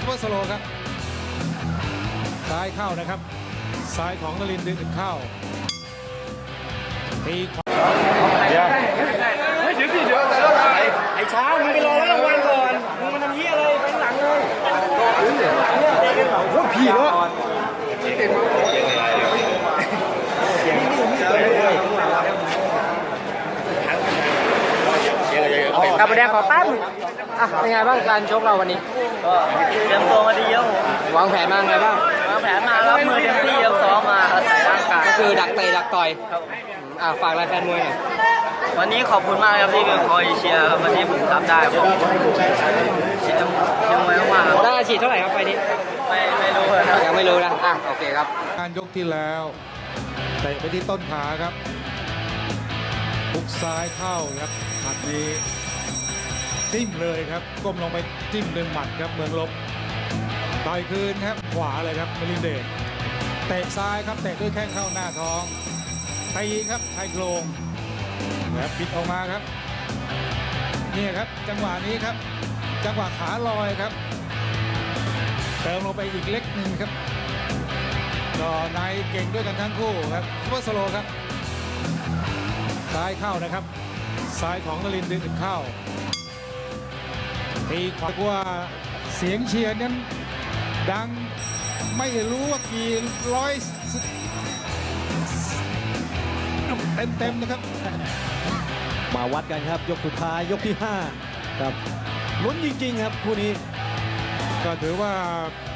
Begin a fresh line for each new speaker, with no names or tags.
เปอร์สโลว์ครับซ้ายเข้านะครับซ้ายของนรินทร์ดึงเข้าตีขวา
ไอ้ช้างมึงไปรอแล้วรางวัลก่อนมึงมาทำเหี้ยอะไรไปข้างหลังเลยโอ้ผีเนาะ
กับประเด็นขอแป๊บนึงเป็นไงบ้างการชกเราวันนี้
ก็เตรียมตัวมาดีเยอะ
วางแผนมาไงบ้าง
วางแผนมารับมือเต็มที่ซ้อมมาอาศัยร่างกาย
ก็คือดักเตะดักต่อยฝากรายแฟนมวยหน่อย
วันนี้ขอบคุณมากครับที่คอยเชียร์ครับวันนี้ผมทำได้ผมเชียร์มวยมากๆครับ
ได้ฉีดเท่าไหร่ครับไฟนี้
ไม่รู้เลยครับ
ยังไม่รู้นะโอเคครับ
การยกที่แล้วเตะไปที่ต้นขาครับหุกซ้ายเข้าครับหมัดนี้จิ้มเลยครับก้มลงไปจิ้มด้วยหมัดครับเมืองลบต่อยคืนครับขวาเลยครับนรินทร์เดชเตะซ้ายครับเตะด้วยแข้งเข้าหน้าท้องตีครับชายโครงแล้วปิดออกมาครับนี่ครับจังหวะนี้ครับจังหวะขาลอยครับเติมลงไปอีกเล็กหนึ่งครับก็นายเก่งด้วยกันทั้งคู่ครับซุปเปอร์สโลว์ครับซ้ายเข้านะครับซ้ายของนรินทร์ดึงเข้าตีขวาว่าเสียงเชียร์นั้นดังไม่รู้ว่ากี่ร้อยเต็มนะครับ
มาวัดกันครับยกสุดท้ายยกที่5ครับลุ้นจริงๆครับคู่นี้
ก็ถือว่า